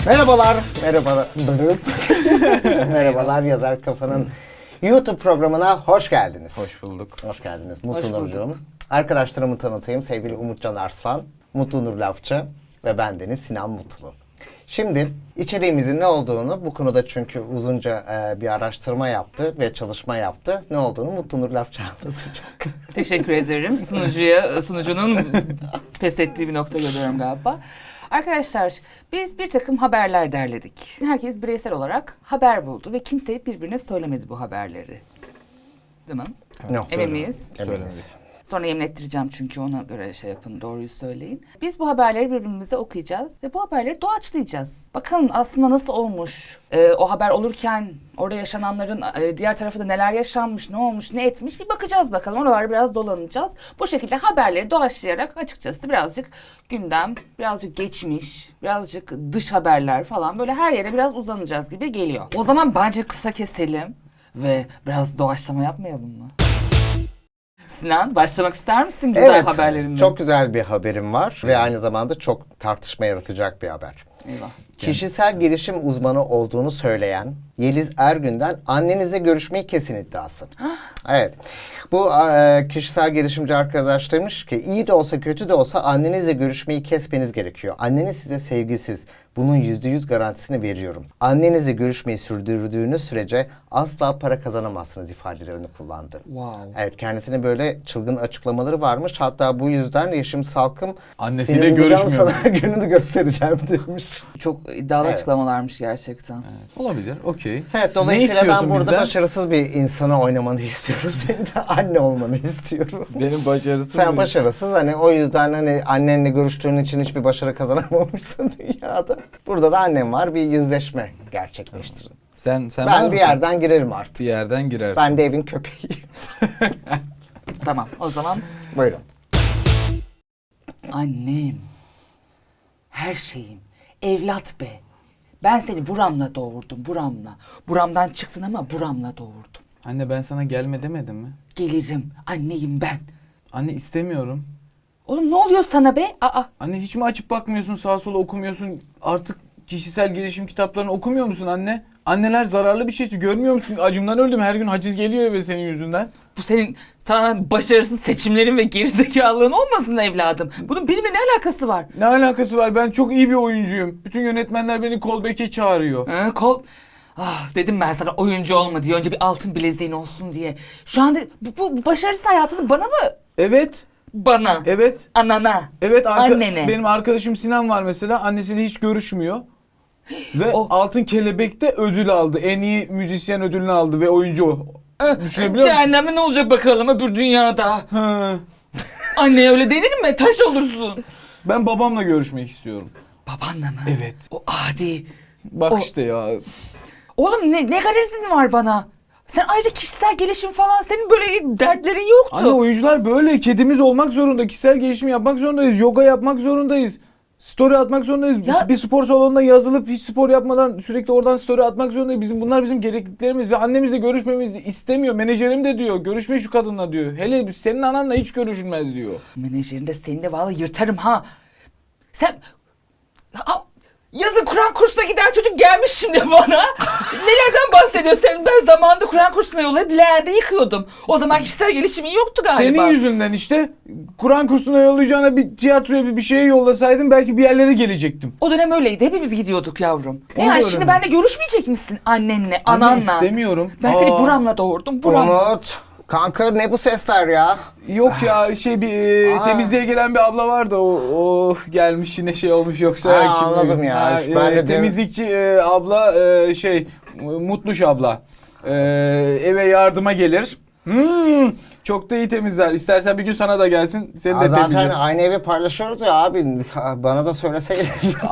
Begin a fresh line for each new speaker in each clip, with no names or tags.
Merhabalar, merhabalar Yazar Kafa'nın YouTube programına hoş geldiniz.
Hoş bulduk.
Hoş geldiniz Mutlu Nurcuğum. Arkadaşlarımı tanıtayım. Sevgili Umutcan Arslan, Mutlu Nur Lafçı ve bendeniz Sinan Mutlu. Şimdi içeriğimizin ne olduğunu bu konuda çünkü uzunca bir araştırma yaptı ve çalışma yaptı. Ne olduğunu Mutlu Nur Lafçı anlatacak.
Teşekkür ederim. Sunucunun pes ettiği bir nokta görüyorum galiba. Arkadaşlar biz bir takım haberler derledik. Herkes bireysel olarak haber buldu ve kimse birbirine söylemedi bu haberleri. Değil mi?
Yok,
Emin miyiz?
Eminiz.
Sonra yemin ettireceğim çünkü ona göre şey yapın, doğruyu söyleyin. Biz bu haberleri birbirimize okuyacağız ve bu haberleri doğaçlayacağız. Bakalım aslında nasıl olmuş, o haber olurken orada yaşananların diğer tarafı da neler yaşanmış, ne olmuş, ne etmiş bir bakacağız bakalım. Oralarda biraz dolanacağız. Bu şekilde haberleri doğaçlayarak açıkçası birazcık gündem, birazcık geçmiş, birazcık dış haberler falan böyle her yere biraz uzanacağız gibi geliyor. O zaman bence kısa keselim ve biraz doğaçlama yapmayalım mı? Sinan, başlamak ister misin güzel haberlerinden?
Çok güzel bir haberim var ve aynı zamanda çok tartışma yaratacak bir haber.
Eyvah.
Kişisel gelişim uzmanı olduğunu söyleyen Yeliz Ergün'den annenizle görüşmeyi kesin iddiası. Evet. Bu kişisel gelişimci arkadaş demiş ki iyi de olsa kötü de olsa annenizle görüşmeyi kesmeniz gerekiyor. Anneniz size sevgisiz. Bunun %100 garantisini veriyorum. Annenizle görüşmeyi sürdürdüğünüz sürece asla para kazanamazsınız ifadelerini kullandı.
Wow.
Evet, kendisine böyle çılgın açıklamaları varmış. Hatta bu yüzden Yeşim Salkım
Annesiyle
"Seni bulacağım,
görüşmüyor.
sana gününü göstereceğim" demiş.
Çok iddialı
Evet.
açıklamalarmış gerçekten.
Olabilir, okey.
Evet,
Ne
dolayısıyla ben
istiyorsun
burada
bizden?
başarısız bir insana oynamanı istiyorum. Senin de anne olmanı istiyorum.
Benim başarısız
Sen
mıyım?
başarısız, hani o yüzden hani annenle görüştüğün için hiçbir başarı kazanamamışsın dünyada. Burada da annem var, bir yüzleşme gerçekleştirin.
Sen var
Ben bir
mısın?
yerden girerim artık.
Bir yerden girersin.
Ben de evin köpeğiyim.
Tamam, o zaman
Buyurun.
annem, her şeyim, evlat be. Ben seni buramla doğurdum, buramla. Buramdan çıktın ama buramla doğurdum.
Anne ben sana gelme demedim mi?
Gelirim, anneyim ben.
Anne istemiyorum.
Oğlum ne oluyor sana be? Aa,
Anne hiç mi açıp bakmıyorsun, sağa sola okumuyorsun? Artık kişisel gelişim kitaplarını okumuyor musun anne? Anneler zararlı bir şey. Görmüyor musun? Acımdan öldüm. Her gün haciz geliyor eve senin yüzünden.
bu senin tamamen başarısız seçimlerin ve gerizekalılığın olmasın evladım. Bunun benimle ne alakası var?
Ne alakası var? Ben çok iyi bir oyuncuyum. Bütün yönetmenler beni callback'e çağırıyor.
Dedim ben sana oyuncu olma diye, önce bir altın bileziğin olsun diye. Şu anda bu başarısız hayatını bana mı?
Evet.
Bana.
Evet.
Anana.
Evet,
Annene.
benim arkadaşım Sinan var mesela. Annesiyle hiç görüşmüyor. Ve Altın Kelebek'te ödül aldı. En iyi müzisyen ödülünü aldı ve oyuncu. Düşünebiliyor musun?
Cehenneme ne olacak bakalım öbür dünyada.
Hı.
Anneye öyle denir mi? Taş olursun.
Ben babamla görüşmek istiyorum.
Babanla mı?
Evet.
O adi.
Bak
O-
işte ya.
Oğlum ne garezin var bana? Sen ayrıca kişisel gelişim falan, senin böyle dertlerin yoktu.
Anne oyuncular böyle. Kedimiz olmak zorunda. Kişisel gelişim yapmak zorundayız. Yoga yapmak zorundayız. Story atmak zorundayız.
Ya-
Bir spor salonuna yazılıp hiç spor yapmadan sürekli oradan story atmak zorundayız. Bunlar bizim gerekliliklerimiz ve annemizle görüşmemizi istemiyor. Menajerim de diyor. Görüşme şu kadınla diyor. Hele senin ananla hiç görüşülmez diyor.
Menajerin de seni de vallahi yırtarım ha. Sen... Yazın Kur'an kursuna giden çocuk gelmiş şimdi bana. Nelerden bahsediyor sen? Ben zamanında Kur'an kursuna yollayıp leğende yıkıyordum. O zaman kişisel gelişimin yoktu galiba.
Senin yüzünden işte Kur'an kursuna yollayacağına bir tiyatroya bir şeye yollasaydın belki bir yerlere gelecektim.
O dönem öyleydi. Hepimiz gidiyorduk yavrum. Ne
Onu
yani
da
şimdi
öğrendim.
benimle görüşmeyecek misin annenle,
Anne
ananla?
istemiyorum.
Ben seni buramla doğurdum, buramla.
Umut, kanka ne bu sesler ya?
Yok ya temizliğe gelen bir abla vardı o gelmiş yine şey olmuş yoksa kim
anladım ya. Ben de dün-
temizlikçi abla Mutluş abla eve yardıma gelir. Çok da iyi temizler. İstersen bir gün sana da gelsin. Seni de
Zaten
temizler.
aynı evi paylaşıyoruz ya abi. Bana da söyleseydin.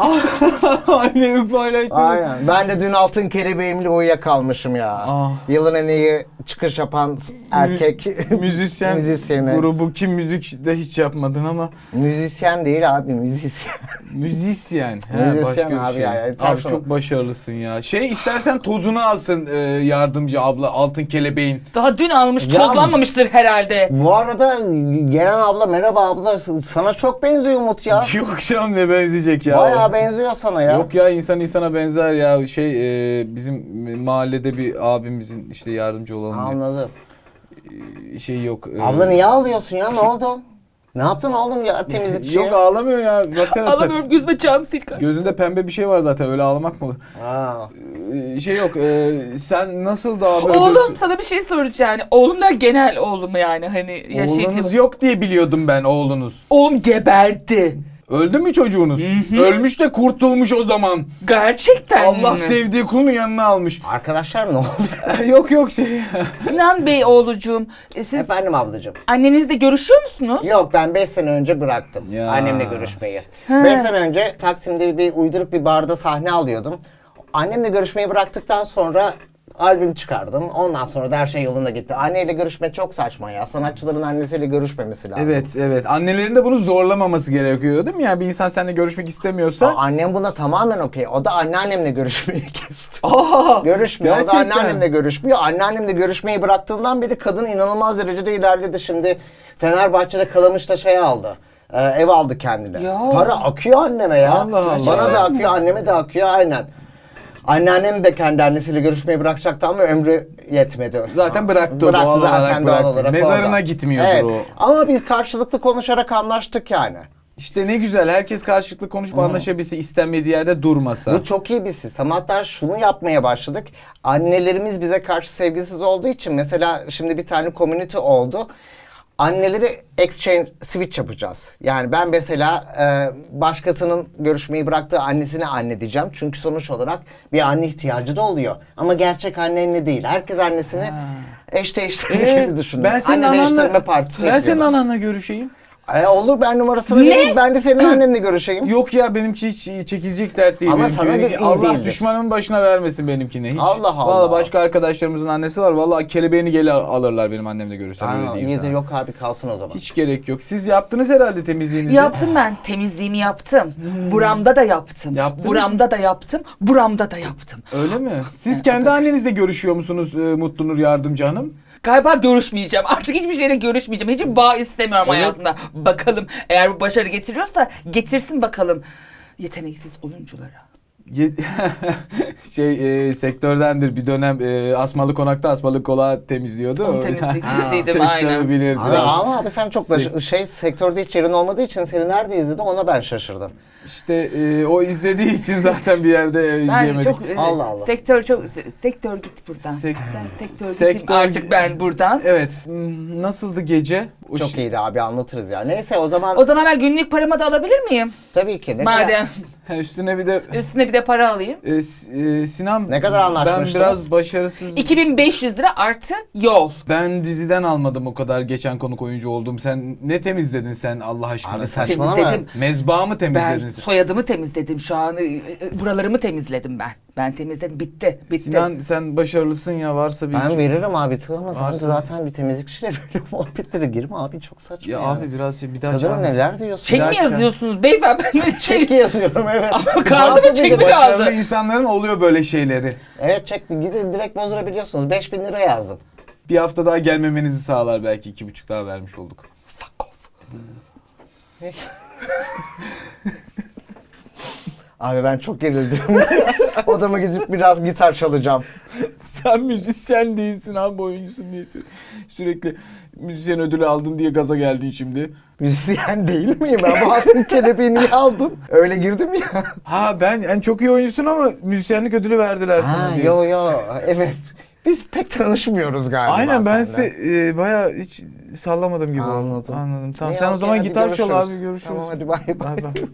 Annemi paylaştım.
Aynen. Ben de dün Altın Kelebeğimle uyuyakalmışım ya.
Ah.
Yılın en iyi çıkış yapan erkek
Müzisyen
müzisyeni.
grubu kim müzik de hiç yapmadın ama
Müzisyen değil abi, müzisyen.
müzisyen.
Müzisyen
başka bir
abi
şey.
ya,
Abi
tabii
çok başarılısın ya. İstersen tozunu alsın yardımcı abla Altın Kelebeğin.
Daha dün almış,
Ya-
tozlanmamıştır herhalde.
Bu arada gelen abla, merhaba abla, sana çok benziyor Umut ya.
Yok canım, ne benzeyecek ya.
Bayağı benziyor sana ya.
Yok ya, insan insana benzer ya. Bizim mahallede bir abimizin işte yardımcı olalım
Anladım.
diye şey yok.
Abla niye ağlıyorsun ya, ne oldu? Ne yaptın oğlum ya temizlikçiye?
Yok, ağlamıyor ya. Baksana.
Alamıyorum, gözüme cam sil kaçtı.
Gözünde pembe bir şey var zaten, öyle ağlamak mı olur?
Aa.
Şey yok. Sen nasıldı abi?
Oğlum, sana bir şey soracağım. Yani oğlumlar genel oğlum, yani hani yaşayıp.
Oğlunuz yok diye biliyordum ben, oğlunuz.
Oğlum geberdi.
Öldü mü çocuğunuz? Ölmüş de kurtulmuş o zaman.
Gerçekten
Allah
mi?
sevdiği kulunu yanına almış.
Arkadaşlar ne oldu?
yok şey.
Sinan Bey oğlucuğum, siz
Efendim ablacığım.
annenizle görüşüyor musunuz?
Yok, ben 5 sene önce bıraktım
Ya.
annemle görüşmeyi.
He.
5 sene önce Taksim'de bir uyduruk bir barda sahne alıyordum. Annemle görüşmeyi bıraktıktan sonra albüm çıkardım. Ondan sonra da her şey yolunda gitti. Anneyle görüşmek çok saçma ya. Sanatçıların annesiyle görüşmemesi lazım.
Evet. Annelerin de bunu zorlamaması gerekiyor değil mi? Yani bir insan seninle görüşmek istemiyorsa.
Annem buna tamamen okey. O da anneannemle görüşmeyi kesti.
Aa,
Görüşmüyor. O da
gerçekten.
anneannemle görüşmüyor. Anneannemle görüşmeyi bıraktığından beri kadın inanılmaz derecede ilerledi. Şimdi Fenerbahçe'de Kalamış'ta şey aldı. Ev aldı kendine.
Ya.
Para akıyor anneme ya.
Allah Allah.
Bana da akıyor, anneme de akıyor, aynen. Anneannem de kendi annesiyle görüşmeyi bırakacaktı ama ömrü yetmedi.
Zaten bıraktı o,
Bıraktı
doğal
zaten,
olarak
doğal
bıraktı.
olarak
Mezarına
orada.
gitmiyordur
Evet.
o.
Ama biz karşılıklı konuşarak anlaştık yani.
İşte ne güzel, herkes karşılıklı konuşup anlaşabilse, istenmediği yerde durmasa.
Bu çok iyi bir sistem. Hatta şunu yapmaya başladık. Annelerimiz bize karşı sevgisiz olduğu için, mesela şimdi bir tane community oldu. Anneleri exchange switch yapacağız. Yani ben mesela başkasının görüşmeyi bıraktığı annesine anne diyeceğim. Çünkü sonuç olarak bir anne ihtiyacı da oluyor. Ama gerçek anne değil. Herkes annesini eş değiştirme gibi düşünün.
Ben senin
Anne değiştirme
ananla,
partisi
ben senin
yapıyoruz.
ananla görüşeyim.
Olur, ben numarasını vereyim. Ben de senin annenle görüşeyim.
Yok ya, benimki hiç çekilecek dert değil.
Ama
Benimki-
sana
benimki-
bir iyi
Allah
değildir.
düşmanın başına vermesin benimkine hiç.
Allah Allah.
Vallahi başka arkadaşlarımızın annesi var. Vallahi kelebeğini geri alırlar benim annemle görüşsem, öyle
Aa,
diyeyim
iyi de
sana.
yok abi, kalsın o zaman.
Hiç gerek yok. Siz yaptınız herhalde temizliğinizi.
Yaptım ben. Temizliğimi yaptım. Buramda da yaptım.
Yaptınız
Buramda da yaptım. Buramda da yaptım.
Öyle mi? Siz kendi annenizle görüşüyor musunuz Mutlu Nur Yardımcı Hanım?
Galiba görüşmeyeceğim. Artık hiçbir şeyle görüşmeyeceğim. Hiçbir bağ istemiyorum
Evet.
hayatımda. Bakalım, eğer bu başarı getiriyorsa getirsin bakalım. Yeteneksiz oyunculara.
Sektördendir, bir dönem Asmalı Konak'ta Asmalı Kola temizliyordu.
Onun
O-
temizlikçisiydim,
Sektörü
aynen.
bilir
Abi,
biraz.
ama abi sen çok sektörde hiç yerin olmadığı için seni nerede izledim, ona ben şaşırdım.
İşte o izlediği için zaten bir yerde
Ben
izleyemedik.
çok
Allah Allah.
sektör git buradan.
Sek-
Sen sektör
Sektör-
gittim artık ben buradan.
Evet. Nasıldı gece?
Çok iyiydi abi, anlatırız ya. Neyse o zaman
O zaman ben günlük paramı da alabilir miyim?
tabii ki. Ne kadar,
Madem
Üstüne bir de
üstüne bir de para alayım.
Sinan,
Ne kadar anlaşmıştınız?
ben biraz başarısız.
2500 lira artı yol.
Ben diziden almadım o kadar, geçen konuk oyuncu oldum. Sen ne temizledin sen Allah aşkına?
Abi
Sen
saçmalama.
Temizledim.
mezba mı temizledin
Ben
sen?
soyadımı temizledim şu an. Buralarımı temizledim ben. Ben temizledim. Bitti.
Sinan, sen başarılısın ya, varsa bir
Ben veririm abi, tıklama. Sen de
Varsın.
zaten bir temizlikçiyle böyle muhabbetlere girme abi, çok saçma
Ya
ya.
abi biraz bir daha
Kadına
çağır.
neler diyorsun?
Çek mi
dakika.
yazıyorsunuz beyefendi? Ben de
Çek yazıyorum, evet.
Ama
Ne
kaldı mı,
yapabilirim?
çek mi
Başarılı
kaldı?
insanların oluyor böyle şeyleri.
Evet, çek, gidin direkt bozdurabiliyorsunuz. 5000 lira yazdım.
Bir hafta daha gelmemenizi sağlar belki, 2,5 daha vermiş olduk.
Fuck off.
Abi ben çok gerildim. Odama gidip biraz gitar çalacağım.
Sen müzisyen değilsin abi, oyuncusun diye sürekli müzisyen ödülü aldın diye gaza geldin şimdi.
Müzisyen değil miyim? Ben bu altın kelebeği niye aldım? Öyle girdim ya.
Ha, ben çok iyi oyuncusun ama müzisyenlik ödülü verdiler sana
Ha,
diye.
yo evet. Biz pek tanışmıyoruz galiba.
Aynen, ben
seninle.
size bayağı hiç sallamadım gibi oldu.
Anladım.
Anladım. Tamam,
İyi,
sen o
okey,
zaman
hadi
gitar çal
görüşürüz.
abi, görüşürüz.
Tamam, hadi bay bay.
Bay bay.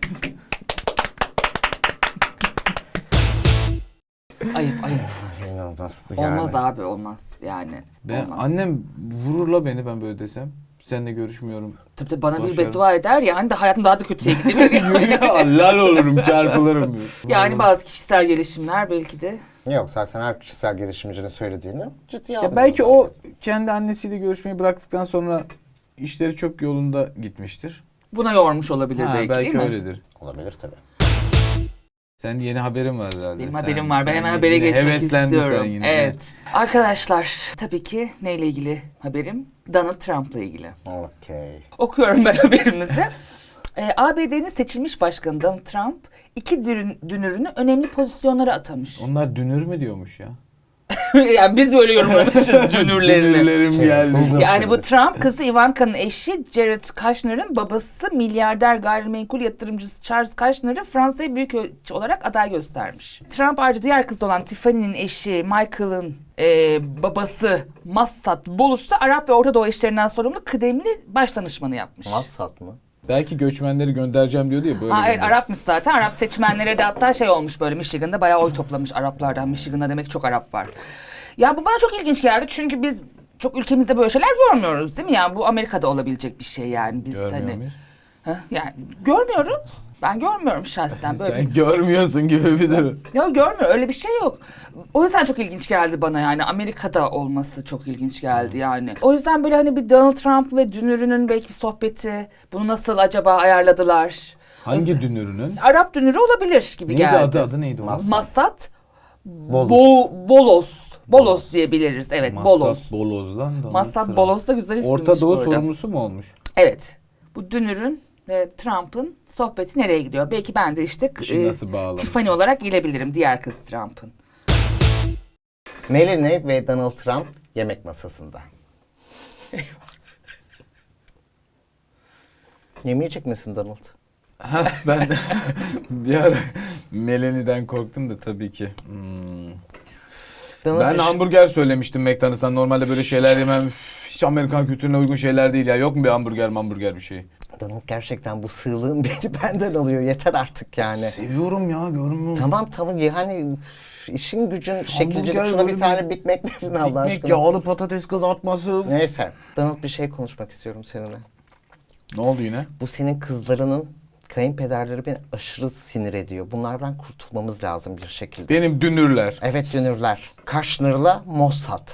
Ayıp.
İnanılmaz
Olmaz abi, olmaz yani.
Ben,
olmaz.
annem vururla beni ben böyle desem. Seninle görüşmüyorum.
Tabii bana bir
Başarılı.
beddua eder ya, hani de hayatım daha da kötüye gidebilir.
Lal olurum, çarpılırım.
Yani bazı kişisel gelişimler belki de.
Yok, zaten her kişisel gelişimcinin söylediğini ciddiye
Ya
almıyorum
belki
zaten.
o kendi annesiyle görüşmeyi bıraktıktan sonra işleri çok yolunda gitmiştir.
Buna yormuş olabilir
Ha,
belki,
belki
değil mi?
öyledir.
Olabilir tabii.
Sen yeni haberin var herhalde.
Benim
Sen-
haberim var. Ben
sen
hemen
yine
habere geçmek
heveslendin
istiyorum.
sen yine.
Evet. Arkadaşlar tabii ki neyle ilgili haberim? Donald Trump'la ilgili.
Okey.
Okuyorum ben haberimizi. ABD'nin seçilmiş başkanı Donald Trump iki dünürünü önemli pozisyonlara atamış.
Onlar dünür mü diyormuş ya?
Yani biz böyle yorumlamışız dünürlerini.
Dünürlerim geldi.
Google
Yani bu
söyledi.
Trump kızı Ivanka'nın eşi Jared Kushner'ın babası milyarder gayrimenkul yatırımcısı Charles Kushner'ı Fransa'ya büyükelçi olarak aday göstermiş. Trump ayrıca diğer kızı olan Tiffany'nin eşi Michael'ın babası Massad Bolus'ta Arap ve Orta Doğu işlerinden sorumlu kıdemli baş danışmanı yapmış.
Massad mı?
Belki göçmenleri göndereceğim diyordu ya böyle.
Ha, evet
gönder.
Arapmış zaten. Arap seçmenlere de hatta şey olmuş böyle Michigan'da bayağı oy toplamış Araplardan. Michigan'da demek çok Arap var. Ya bu bana çok ilginç geldi çünkü biz çok ülkemizde böyle şeyler görmüyoruz değil mi? Yani bu Amerika'da olabilecek bir şey yani biz
Görmüyor
hani.
muyuz?
Yani görmüyoruz. Ben görmüyorum şahsen böyle.
Sen görmüyorsun gibi bir durum.
Ya görmüyor öyle bir şey yok. O yüzden çok ilginç geldi bana yani Amerika'da olması çok ilginç geldi yani. O yüzden böyle hani bir Donald Trump ve dünürünün belki bir sohbeti bunu nasıl acaba ayarladılar?
Hangi dünürünün?
Arap dünürü olabilir gibi
Neydi
geldi.
adı neydi onun?
Massad
Bolos.
Bolos. Bolos diyebiliriz. Evet, Bolos.
Massad Boloz'dan Donald
Massad
Trump.
Bolos da güzel isimmiş
Orta Doğu
bu arada.
sorumlusu mu olmuş?
Evet. Bu dünürün ve Trump'ın sohbeti nereye gidiyor? Belki ben de işte
İşi nasıl bağlamış?
Tiffany olarak gelebilirim diğer kız Trump'ın.
Melanie ve Donald Trump yemek masasında. Yemeyecek misin Donald?
Ben de bir ara Melanie'den korktum da tabii ki.
Donald
Ben
bir-
hamburger söylemiştim McDonald's'tan. Normalde böyle şeyler yemem. Üf, hiç Amerikan kültürüne uygun şeyler değil ya. Yok mu bir hamburger bir şey?
Donald gerçekten bu sığlığın beni benden alıyor. Yeter artık yani.
Seviyorum ya görmüyor musun?
Tamam yani üf, işin gücün şekilcilik.
Hamburger
Şuna bir
böyle
tane Big Mac verin Allah
Ekmek,
aşkına.
yağlı patates kızartması.
Neyse. Donald bir şey konuşmak istiyorum seninle.
Ne oldu yine?
Bu senin kızlarının kayınpederleri beni aşırı sinir ediyor. Bunlardan kurtulmamız lazım bir şekilde.
Benim dünürler.
Evet dünürler. Kushner'la Mossad.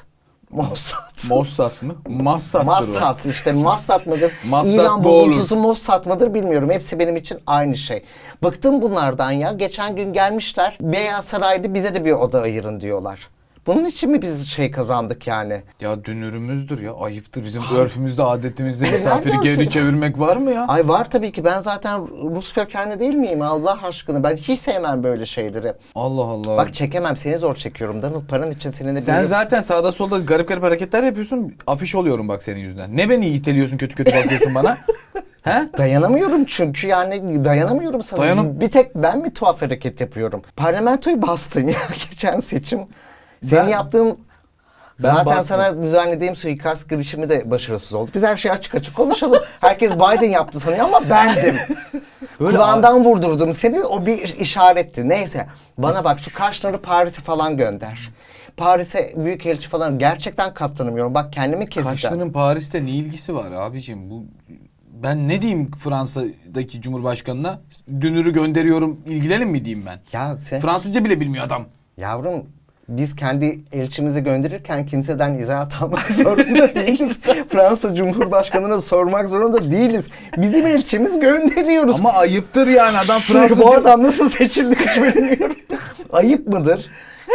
Mossad mı? Massad'dır o.
Mossad işte Mossad mıdır?
Mossad
İran
bu olur.
bozuntusu Mossad mıdır bilmiyorum. Hepsi benim için aynı şey. Bıktım bunlardan ya. Geçen gün gelmişler. Beyaz Saray'da bize de bir oda ayırın diyorlar. Bunun için mi biz şey kazandık yani?
Ya dünürümüzdür ya. Ayıptır. Bizim örfümüzde, adetimizde misafiri
nereden
geri
söylüyorsun?
çevirmek var mı ya?
Ay var tabii ki. Ben zaten Rus kökenli değil miyim Allah aşkına? Ben hiç sevmem böyle şeyleri.
Allah Allah.
Bak çekemem. Seni zor çekiyorum. Donald paran için seninle
Sen
bir...
zaten sağda solda garip garip hareketler yapıyorsun. Afiş oluyorum bak senin yüzünden. Ne beni iteliyorsun kötü kötü bakıyorsun bana? He?
Dayanamıyorum çünkü yani dayanamıyorum sana. Bir tek ben mi tuhaf hareket yapıyorum? Parlamentoyu bastın ya geçen seçim. Senin
Ben-
yaptığın
Ben
zaten
bastım.
sana düzenlediğim suikast girişimi de başarısız oldu. Biz her şeyi açık açık konuşalım. Herkes Biden yaptı sanıyor ama bendim.
Öyle
Kulağından vurdurdum seni. O bir işaretti. Neyse. Bana bak şu Kushner'ı Paris'e falan gönder. Paris'e büyükelçi falan gerçekten katlanamıyorum. Bak kendimi keseceğim.
Kaşların Paris'te ne ilgisi var abicim? Bu ben ne diyeyim Fransa'daki Cumhurbaşkanına? Dünürü gönderiyorum, ilgilenin mi diyeyim ben?
Ya sen
Fransızca bile bilmiyor adam.
yavrum biz kendi elçimizi gönderirken kimseden izahat almak zorunda değiliz. Fransa Cumhurbaşkanı'na sormak zorunda değiliz. Bizim elçimiz gönderiyoruz.
Ama ayıptır yani adam
Bu
Fransızca...
adam nasıl seçildi hiç bilmiyorum. Ayıp mıdır?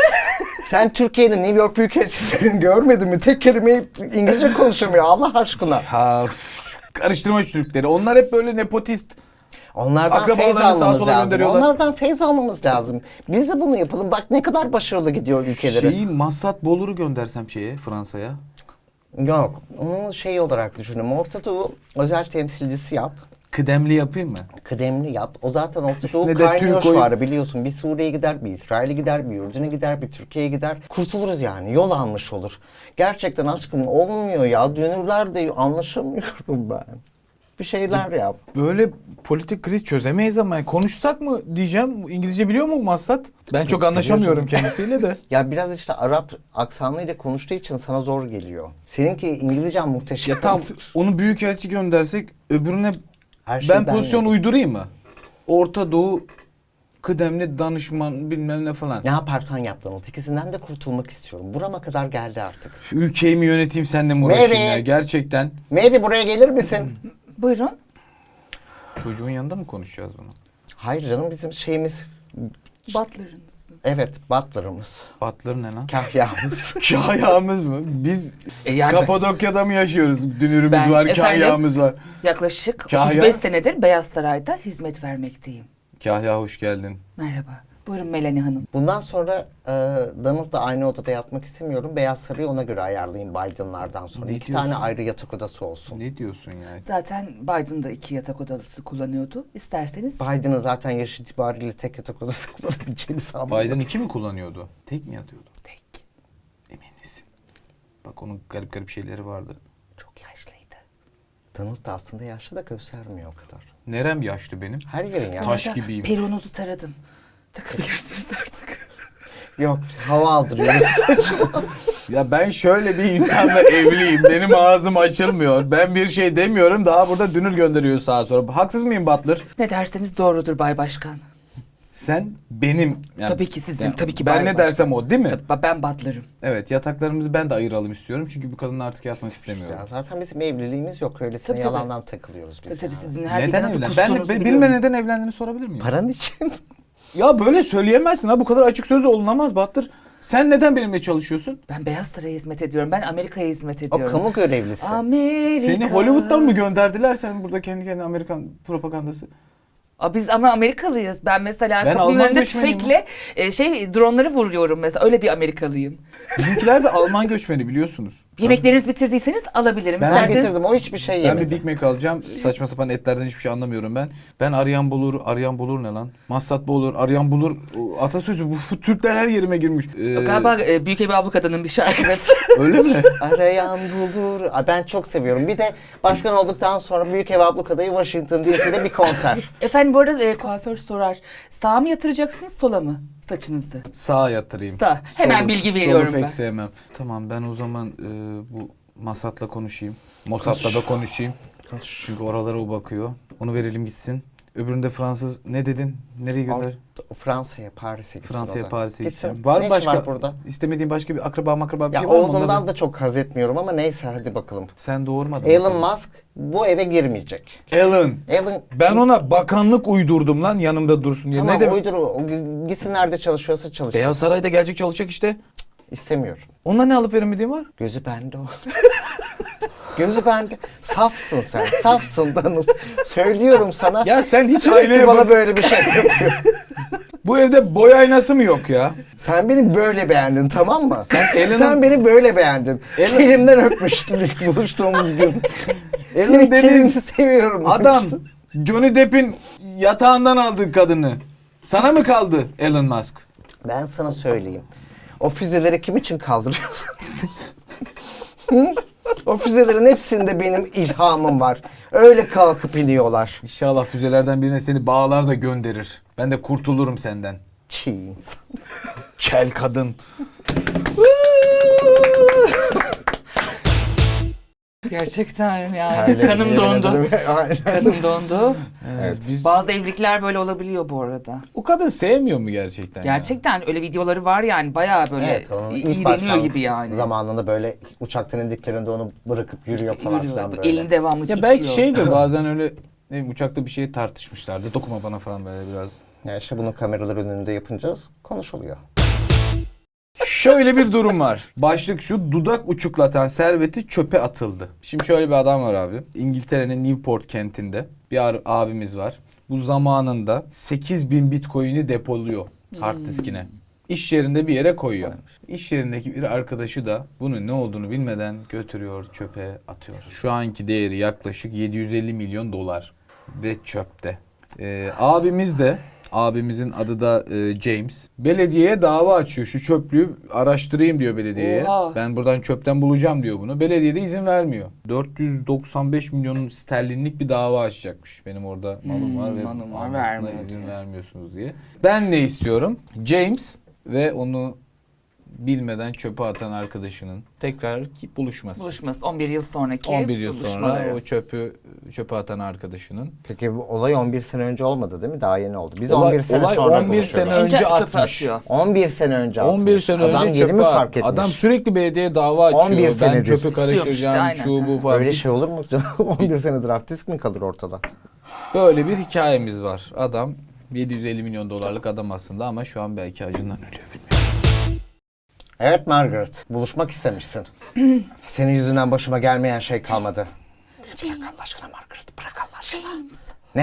Sen Türkiye'nin New York Büyükelçisi'ni görmedin mi? Tek kelimeyi İngilizce konuşamıyor Allah aşkına.
Ha, karıştırma şu Türkleri. Onlar hep böyle nepotist.
Onlardan
Akrabalarını
feyz
sağa
almamız
sola
lazım.
gönderiyorlar.
Onlardan feyz almamız lazım. Biz de bunu yapalım. Bak ne kadar başarılı gidiyor ülkeleri.
Şeyi Massad Bolur'u göndersem şeye Fransa'ya.
Yok. Onu şey olarak düşünüyorum. Orta Doğu özel temsilcisi yap.
Kıdemli yapayım mı?
Kıdemli yap. O zaten Orta
Üstüne
Doğu
de
kaynıyor
tüy koy.
şu ara biliyorsun. Bir Suriye'ye gider, bir İsrail'e gider, bir Ürdün'e gider, bir Türkiye'ye gider. Kurtuluruz yani. Yol almış olur. Gerçekten aşkım olmuyor ya. Dönürler de anlaşamıyorum ben. Bir şeyler yap.
Böyle politik kriz çözemeyiz ama yani konuşsak mı diyeceğim. İngilizce biliyor mu Massad? Ben çok anlaşamıyorum kendisiyle de.
Ya biraz işte Arap aksanıyla konuştuğu için sana zor geliyor. Seninki İngilizcen muhteşem.
Ya tam onu büyükelçi göndersek öbürüne
Her şeyi
ben pozisyon
yapayım.
uydurayım mı? Orta Doğu kıdemli danışman bilmem ne falan.
Ne yaparsan yap Donald. İkisinden de kurtulmak istiyorum. Burama kadar geldi artık.
Ülkeyi mi yöneteyim seninle mi uğraşayım
Mary.
ya gerçekten.
Maybe buraya gelir misin?
Buyurun.
Çocuğun yanında mı konuşacağız bunu?
Hayır canım bizim şeyimiz
Butler'ınız.
Evet, butler'ımız.
Butler ne lan?
Kahyamız.
Kahyamız mı? Biz
Yani
Kapadokya'da mı yaşıyoruz? Dünürümüz
Ben-
var,
efendim?
kahyamız var.
yaklaşık
Kahya?
35 senedir Beyaz Saray'da hizmet vermekteyim.
Kahya hoş geldin.
Merhaba. Buyurun Melanie Hanım.
Bundan sonra Donald'la aynı odada yatmak istemiyorum. Beyaz Sarayı ona göre ayarlayayım Biden'lardan sonra.
Ne
2 tane
diyorsun?
ayrı yatak odası olsun.
Ne diyorsun ya?
Zaten Biden da 2 yatak odası kullanıyordu. İsterseniz
Biden'ın zaten yaş itibariyle tek yatak odası kullanabileceğini sanmıyorum.
Biden 2 mi kullanıyordu? Tek mi yatıyordu?
tek.
Emin misin? Bak onun garip garip şeyleri vardı.
Çok yaşlıydı.
Donald da aslında yaşlı da göstermiyor o kadar.
Nerem yaşlı benim?
Her yerin yaşlı.
Taş
Arada
gibiyim.
Peruğunuzu taradım. Takabilirsiniz artık.
Yok, hava aldırıyor.
Ya ben şöyle bir insanla evliyim. Benim ağzım açılmıyor. Ben bir şey demiyorum. Daha burada dünür gönderiyor sağa sonra. Haksız mıyım Butler?
Ne derseniz doğrudur Bay Başkan.
Sen benim. Yani,
Tabii ki sizin, tabii ki
Ben
Bay
ne dersem o değil mi?
Tabii, ben Butler'ım.
Evet, yataklarımızı ben de ayıralım istiyorum. Çünkü bu kadınla artık yatmak istemiyorum.
Ya zaten bizim evliliğimiz yok. Öylesine
Tabii, tabii.
yalandan takılıyoruz biz.
Tabii
yani.
sizin her gece
Neden
nasıl
evlen?
kustuğunuzu
Ben
biliyorum.
bilme neden evlendiğini sorabilir miyim?
Paran için.
Ya böyle söyleyemezsin ha. Bu kadar açık sözlü olunamaz Butler. Sen neden benimle çalışıyorsun?
Ben Beyaz Saray'a hizmet ediyorum. Ben Amerika'ya hizmet
O
ediyorum.
kamu görevlisi.
Amerika.
Seni Hollywood'dan mı gönderdiler sen burada kendi kendine Amerikan propagandası?
Biz ama Amerikalıyız. Ben mesela
Ben
kapının
Alman
önünde
göçmeniyim
tüfekle dronları vuruyorum mesela. Öyle bir Amerikalıyım.
Bizimkiler de Alman göçmeni biliyorsunuz.
Yemeklerinizi bitirdiyseniz alabilirim.
Ben
İsterseniz
getirdim. O hiçbir şey
Ben
yemedi.
bir Big Mac alacağım. Saçma sapan etlerden hiçbir şey anlamıyorum ben. Ben arayan bulur, arayan bulur ne lan? Massatlı olur, arayan bulur. O atasözü bu Türkler her yerime girmiş.
galiba Büyük Evi Ablukada'nın bir şarkısı.
Öyle mi?
Arayan bulur. Ben çok seviyorum. Bir de başkan olduktan sonra Büyük Ev Ablukada'yı Washington DC'de bir konser.
Efendim bu arada kuaför sorar. Sağa mı yatıracaksınız sola mı saçınızı?
Sağa yatırayım.
Sağ. Hemen bilgi veriyorum
solu pek
ben.
sevmem. Tamam ben o zaman bu Masat'la konuşayım. Mossad'la da konuşayım. Çünkü oralara o bakıyor. Onu verelim gitsin. Öbüründe Fransız ne dedin? Nereye gönder?
Fransa'ya, Paris'e gitsin
Fransa'ya,
o da.
Paris'e
Gitsin.
gideceğim. Var
Ne
mı
işi
başka?
var burada?
İstemediğin başka bir akraba bir
Ya
şey var mı?
oğlundan
Onları-
da çok haz etmiyorum ama neyse hadi bakalım.
Sen doğurmadın.
Elon Musk bu eve girmeyecek.
Elon.
Elon
Ben ona bakanlık uydurdum lan yanımda dursun diye.
tamam
ne demek?
uydur o gitsin nerede çalışıyorsa çalışsın.
Beyaz Saray'da gelecek çalışacak işte.
İstemiyorum.
Onunla ne alıp veremediğin var?
Gözü bende o. Gözü bende. Safsın sen. Safsın Donald. Söylüyorum sana.
Ya sen hiç
Sürekli
aynaya
bana
bak.
böyle bir şey yapıyor.
Bu evde boy aynası mı yok ya?
Sen beni böyle beğendin tamam mı?
Elon'un-
Sen beni böyle beğendin.
Elon-
Elimden öpmüştün ilk buluştuğumuz gün.
Elon
Senin
dediğin
kelini seviyorum
Adam
demiştin.
Johnny Depp'in yatağından aldığı kadını. Sana mı kaldı Elon Musk?
Ben sana söyleyeyim. O füzeleri kim için kaldırıyorsun? Hı? O füzelerin hepsinde benim ilhamım var. Öyle kalkıp iniyorlar.
İnşallah füzelerden birine seni bağlar da gönderir. Ben de kurtulurum senden.
Çiğ insan.
Kel kadın.
Gerçekten yani
Terledim,
kanım
yemin
dondu.
ederim. Aynen.
Kanım dondu.
Evet, biz...
Bazı evlilikler böyle olabiliyor bu arada.
O kadın sevmiyor mu gerçekten? ya?
Gerçekten öyle videoları var yani bayağı böyle
Evet, onun ilk
iğreniyor
başkan
gibi yani.
zamanında böyle uçaktan indiklerinde onu bırakıp yürüyor falan
Yürüyor,
filan böyle.
elini devamlı
Ya
itiyor.
belki şeydir bazen öyle ne bileyim, uçakta bir şey tartışmışlardı. Dokunma bana falan böyle biraz.
Yani işte bunu kameralar önünde yapınacağız. Konuşuluyor.
Şöyle bir durum var. Başlık şu: dudak uçuklatan serveti çöpe atıldı. Şimdi şöyle bir adam var abi. İngiltere'nin Newport kentinde bir abimiz var. Bu zamanında 8.000 bitcoin'i depoluyor hard diskine. İş yerinde bir yere koyuyor. İş yerindeki bir arkadaşı da bunun ne olduğunu bilmeden götürüyor, çöpe atıyor. Şu anki değeri yaklaşık 750 milyon dolar ve çöpte. Abimizin adı da James. Belediyeye dava açıyor. Şu çöplüğü araştırayım diyor belediyeye.
Oha.
Ben buradan çöpten bulacağım diyor bunu. Belediye de izin vermiyor. 495 milyon sterlinlik bir dava açacakmış. Benim orada malım var ve
malım var,
almasına
vermiyor
izin
diyor.
vermiyorsunuz diye. Ben ne istiyorum? James ve onu bilmeden çöpe atan arkadaşının tekrar buluşması.
Buluşması 11 yıl sonraki
11 yıl sonra
buluşmaları.
o çöpe atan arkadaşının.
Peki bu olay 11 sene önce olmadı değil mi? Daha yeni oldu. Biz
Olay-
11 sene
olay
sonra
11 sene
buluşuyoruz.
Önce
önce
çöpe
atmış.
atıyor.
11 sene önce
11
atmış.
sene
Adam
önce
yeni mi
çöpe
fark etmiş?
Adam sürekli belediyeye dava açıyor.
Öyle
Ben
senedir.
çöpü
İstiyormuş işte,
karıştıracağım,
aynen.
şu bu falan.
Öyle şey olur mu? 11 senedir hard disk mi kalır ortada?
Böyle bir hikayemiz var. Adam 750 milyon dolarlık adam aslında ama şu an belki acından ölüyor, bilmiyorum.
Evet Margaret, buluşmak istemişsin. Senin yüzünden başıma gelmeyen şey kalmadı. Bırak Allah aşkına Margaret, bırak Allah aşkına.
James,
Ne?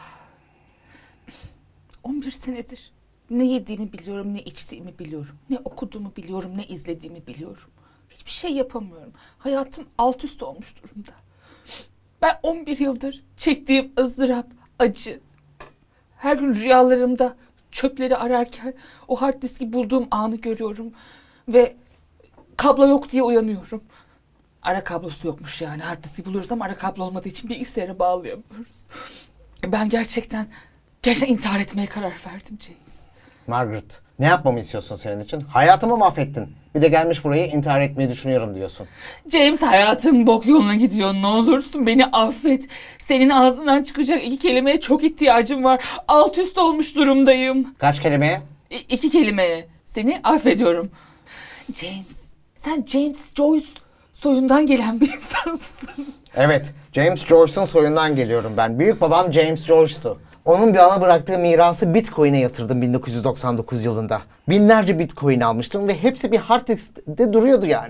11 senedir ne yediğimi biliyorum, ne içtiğimi biliyorum. Ne okuduğumu biliyorum, ne izlediğimi biliyorum. Hiçbir şey yapamıyorum. Hayatım alt üst olmuş durumda. Ben 11 yıldır çektiğim ızdırap, acı. Her gün rüyalarımda çöpleri ararken o hard diski bulduğum anı görüyorum. Ve kablo yok diye uyanıyorum. Ara kablosu yokmuş yani. Hard diski buluyoruz ama ara kablo olmadığı için bilgisayara bağlayamıyoruz. Ben gerçekten intihar etmeye karar verdim James.
Margaret, ne yapmamı istiyorsun senin için? Hayatımı mahvettin. Bir de gelmiş buraya intihar etmeyi düşünüyorum diyorsun.
James, hayatım bok yoluna gidiyor. Ne olursun beni affet. Senin ağzından çıkacak 2 kelimeye çok ihtiyacım var. Alt üst olmuş durumdayım.
Kaç kelimeye?
2 kelimeye. Seni affediyorum. James, sen James Joyce soyundan gelen bir insansın.
Evet, James Joyce'un soyundan geliyorum ben. Büyük babam James Joyce'tu. Onun bir ana bıraktığı mirası Bitcoin'e yatırdım 1999 yılında. Binlerce Bitcoin almıştım ve hepsi bir hard diskte duruyordu yani.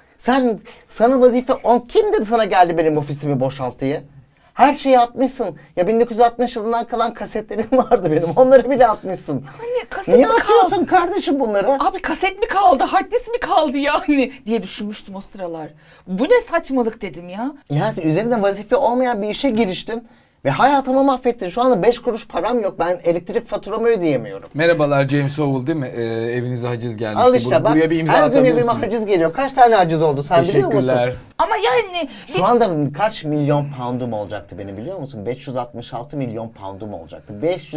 Sana vazife kim dedi sana geldi benim ofisimi boşalt diye? Her şeyi atmışsın. Ya 1960 yılından kalan kasetlerim vardı benim. Onları bile atmışsın.
Anne, kaset
Niye
mi
atıyorsun
kaldı?
kardeşim bunları?
Abi kaset mi kaldı, hard disk mi kaldı yani diye düşünmüştüm o sıralar. Bu ne saçmalık dedim ya.
Ya üzerinde vazife olmayan bir işe giriştin. Ve hayatımı mahvettin. Şu anda 5 kuruş param yok. Ben elektrik faturamı ödeyemiyorum.
Merhabalar, James Howell değil mi? Evinize haciz gelmişti.
Al işte bak.
Buraya bir imza
Her gün
atabilir
evime
misiniz?
haciz geliyor. Kaç tane haciz oldu sen biliyor musun?
Teşekkürler.
Ama yani
Şu anda kaç milyon poundum olacaktı benim biliyor musun? 566 milyon poundum olacaktı.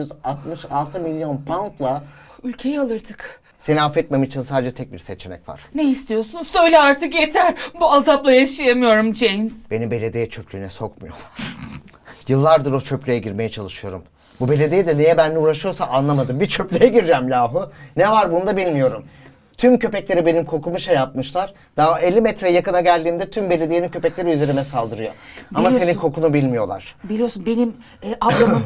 566 milyon poundla
ülkeyi alırdık.
seni affetmem için sadece tek bir seçenek var.
Ne istiyorsun? Söyle artık, yeter. Bu azapla yaşayamıyorum James.
Beni belediye çöplüğüne sokmuyorlar. Yıllardır o çöplüğe girmeye çalışıyorum. Bu belediye de niye benimle uğraşıyorsa anlamadım. Bir çöplüğe gireceğim lahu. Ne var bunda bilmiyorum. Tüm köpekleri benim kokumu yapmışlar. Daha 50 metre yakına geldiğimde tüm belediyenin köpekleri üzerime saldırıyor. Ama
Biliyorsun.
senin kokunu bilmiyorlar.
Biliyorsun benim ablamın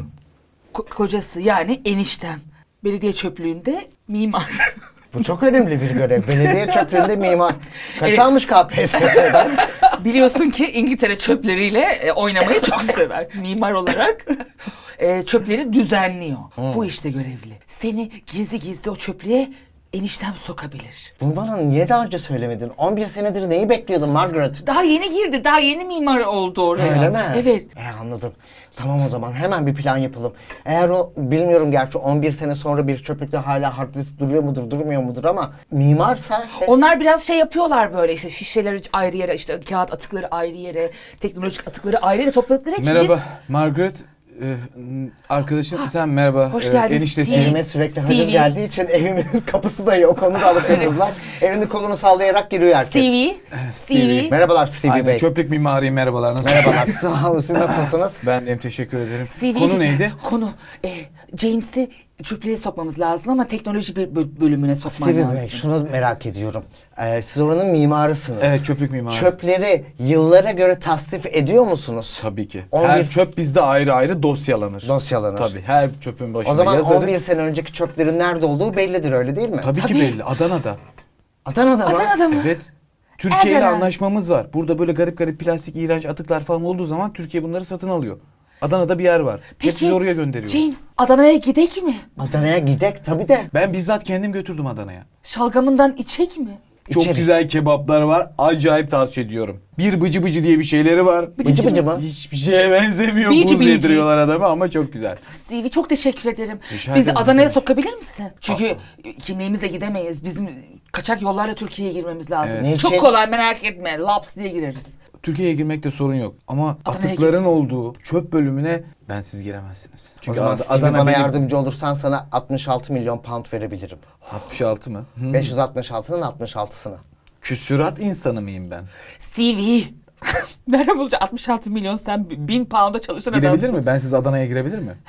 kocası yani eniştem. Belediye çöplüğünde mimar.
Bu çok önemli bir görev. Belediye çöplüğünde mimar. Kaç
Evet.
almış KPSS'den?
Biliyorsun ki İngiltere çöpleriyle oynamayı çok sever. Mimar olarak çöpleri düzenliyor. Bu işte görevli. Seni gizli gizli o çöplüğe eniştem sokabilir.
Bunu bana niye daha önce söylemedin? 11 senedir neyi bekliyordun Margaret?
Daha yeni girdi. Daha yeni mimar oldu oraya.
Öyle mi?
Evet.
Anladım. Tamam o zaman hemen bir plan yapalım. Eğer o bilmiyorum gerçi 11 sene sonra bir çöplükte hala hard disk duruyor mudur durmuyor mudur ama mimarsa...
Onlar biraz şey yapıyorlar böyle işte şişeleri ayrı yere, işte kağıt atıkları ayrı yere, teknolojik atıkları ayrı yere topladıkları için
Merhaba Margaret. Arkadaşın sen merhaba.
Hoş geldin.
Eniştesiyim.
Evime sürekli haciz
Stevie.
geldiği için evimin kapısı da yok. Onu da alıp götürdüler. Elini kolunu sallayarak giriyor herkes.
Stevie.
Merhabalar Stevie
Aynen,
Bey.
çöplük mimariyim, merhabalar. Nasılsınız?
Merhabalar. Sağ olun. Siz nasılsınız?
Ben de teşekkür ederim.
Stevie.
Konu neydi?
Konu James'i çöplüğe sokmamız lazım ama teknoloji bir bölümüne sokman
Stevie
lazım.
Bey şunu merak ediyorum. Siz oranın mimarısınız.
Evet, çöplük mimarı.
Çöpleri yıllara göre tasnif ediyor musunuz?
Tabii ki.
11
Her çöp bizde ayrı ayrı dosyalanır.
Dosyalanır.
Tabii, her çöpün başına
O zaman
yazarız.
11 sene önceki çöplerin nerede olduğu bellidir öyle değil mi?
Tabii ki
Tabii.
belli. Adana'da.
Adana'da mı?
Adana'da mı?
Evet. Türkiye ile
Adana.
anlaşmamız var. Burada böyle garip garip plastik iğrenç atıklar falan olduğu zaman Türkiye bunları satın alıyor. Adana'da bir yer var. Hepsini oraya gönderiyor.
James, Adana'ya gidek mi?
Adana'ya gidek tabii de.
Ben bizzat kendim götürdüm Adana'ya.
Şalgamından içek mi?
Çok
İçeriz.
güzel kebaplar var. Acayip tavsiye ediyorum. Bir bıcı bıcı diye bir şeyleri var.
Bıcı bıcı mı?
Hiçbir şeye benzemiyor.
Bici
Buz
bici.
yediriyorlar adama ama çok güzel.
Stevie, çok teşekkür ederim.
Rica
Bizi
ederim.
Adana'ya sokabilir misin? Çünkü kimliğimizle gidemeyiz. Bizim kaçak yollarla Türkiye'ye girmemiz lazım.
Evet.
Çok
Niçin?
kolay, merak etme. Laps diye gireriz.
Türkiye'ye girmekte sorun yok. Ama
Adana'ya
atıkların olduğu çöp bölümüne ben siz giremezsiniz.
O
Çünkü
zaman Stevie
Adana
bana
benim...
yardımcı olursan sana 66 milyon pound verebilirim.
66 mı?
566'nın 66'sını.
Küsürat insanı mıyım ben?
Stevie. Nereden bulacak 66 milyon, sen 1000 pound'a çalışan
Girebilir
adamsın.
mi? Ben siz Adana'ya girebilir mi?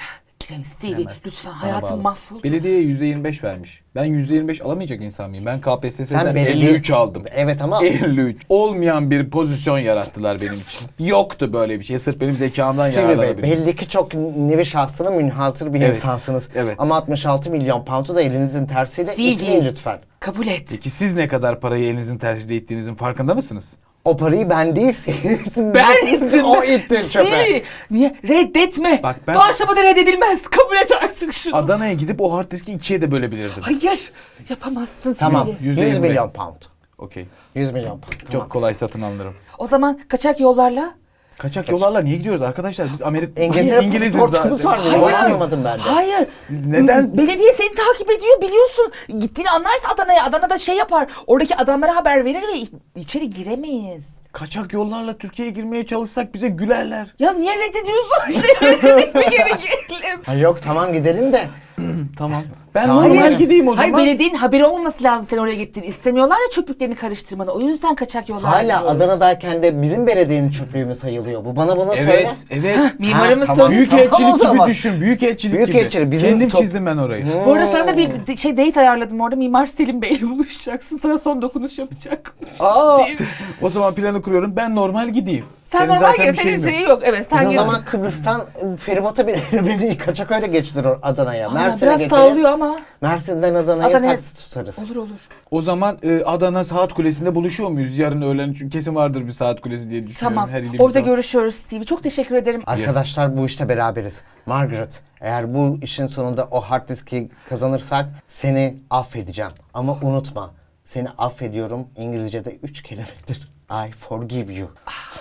Stevie
Silemez.
lütfen
Bana
hayatım
bağlı.
mahvoldu.
Belediyeye %25 vermiş. Ben %25 alamayacak insan mıyım? Ben KPSS'den
Sen belediye-
53 aldım.
Evet ama
53. Olmayan bir pozisyon yarattılar benim için. Yoktu böyle bir şey. Sırf benim zekamdan
Stevie Bey,
yararlanabilirim.
belli ki çok nevi şahsına münhasır bir
Evet,
insansınız.
evet.
Ama 66 milyon pound'u da elinizin tersiyle
Stevie.
itmeyin lütfen.
Kabul et.
Peki siz ne kadar parayı elinizin tercihde ettiğinizin farkında mısınız?
O parayı ben değil
Ben ittim.
O itti çöpe.
Stevie, niye? Reddetme.
Bak ben-
Doğaçlama reddedilmez. Kabul et artık şunu.
Adana'ya gidip o hard diski ikiye de bölebilirdim.
Hayır. Yapamazsın
Tamam.
Stevie.
100
%25.
milyon pound.
Okey.
100 milyon pound. Tamam.
Çok kolay satın alınırım.
O zaman kaçak yollarla.
Kaçak yollarla niye gidiyoruz arkadaşlar? Biz Amerika
İngiltere
İngiliziz
pasaportumuz
zaten.
var. Onu
Hayır.
anlamadım ben de.
Hayır.
Siz neden-
Belediye seni takip ediyor biliyorsun. Gittiğini anlarsa Adana'ya. Adana'da şey yapar. Oradaki adamlara haber verir ve içeri giremeyiz.
Kaçak yollarla Türkiye'ye girmeye çalışsak bize gülerler.
Ya niye reddediyorsun? İşte reddedik bir kere girelim.
Ha, yok tamam gidelim de.
Tamam. Ben
Tamam.
normal
Hayır.
gideyim o zaman.
Hayır belediyenin haberi olmaması lazım sen oraya gittiğini. İstemiyorlar ya çöplüklerini karıştırmanı. O yüzden kaçak yollar
Hala
gidiyoruz.
Adana'dayken de bizim belediyenin çöplüğü mü sayılıyor bu? Bana bunu söyle.
Evet, evet.
Mimarımız
Ha, tamam.
söyledi.
Tamam o
Büyükelçilik gibi
zaman.
düşün. Büyükelçilik gibi.
Büyükelçilik, bizim
Kendim
top-
çizdim ben orayı.
Bu arada sana da bir şey date ayarladım orada. Mimar Selim Bey'le buluşacaksın. Sana son dokunuş yapacak.
Aa,
Değil mi?
o zaman planı kuruyorum. Ben normal gideyim.
Sen
Benim
normal
zaten
gel.
bir
Senin
şeyim yok.
şeyin yok. Evet sen
Biz o
gel.
zaman Kıbrıs'tan feribota beni kaçak öyle geçilir Adana'ya.
Aa,
Mersin'e
biraz
geçeriz.
sallıyor ama.
Mersin'den Adana'ya
Adana'ya-
taksi tutarız.
Olur olur.
O zaman Adana Saat Kulesi'nde buluşuyor muyuz? Yarın öğlen çünkü kesin vardır bir Saat Kulesi diye düşünüyorum.
Tamam.
Her ilimizde
Orada
var.
görüşüyoruz Stevie. Çok teşekkür ederim.
Arkadaşlar bu işte beraberiz. Margaret, eğer bu işin sonunda o hard diski kazanırsak seni affedeceğim. Ama unutma, seni affediyorum İngilizce'de 3 kelimedir. I forgive you.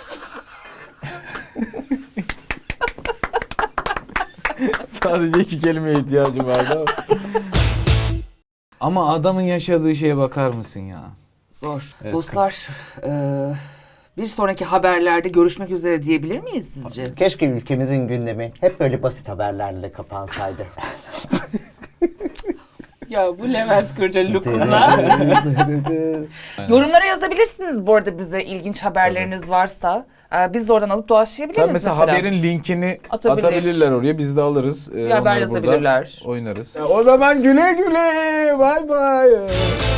Sadece 2 kelimeye ihtiyacım vardı ama. Ama adamın yaşadığı şeye bakar mısın ya?
Zor.
Evet.
Dostlar, bir sonraki haberlerde görüşmek üzere diyebilir miyiz sizce?
Keşke ülkemizin gündemi hep böyle basit haberlerle kapansaydı.
Ya bu Levent Kırca look'unla. Yorumlara yazabilirsiniz bu arada bize ilginç haberleriniz varsa. Biz de oradan alıp doğaçlayabiliriz
Tabii mesela haberin linkini
Atabilir.
atabilirler oraya. Biz de alırız.
Bir haber
Onları burada
yazabilirler.
Oynarız. O zaman güle güle. Bay bay.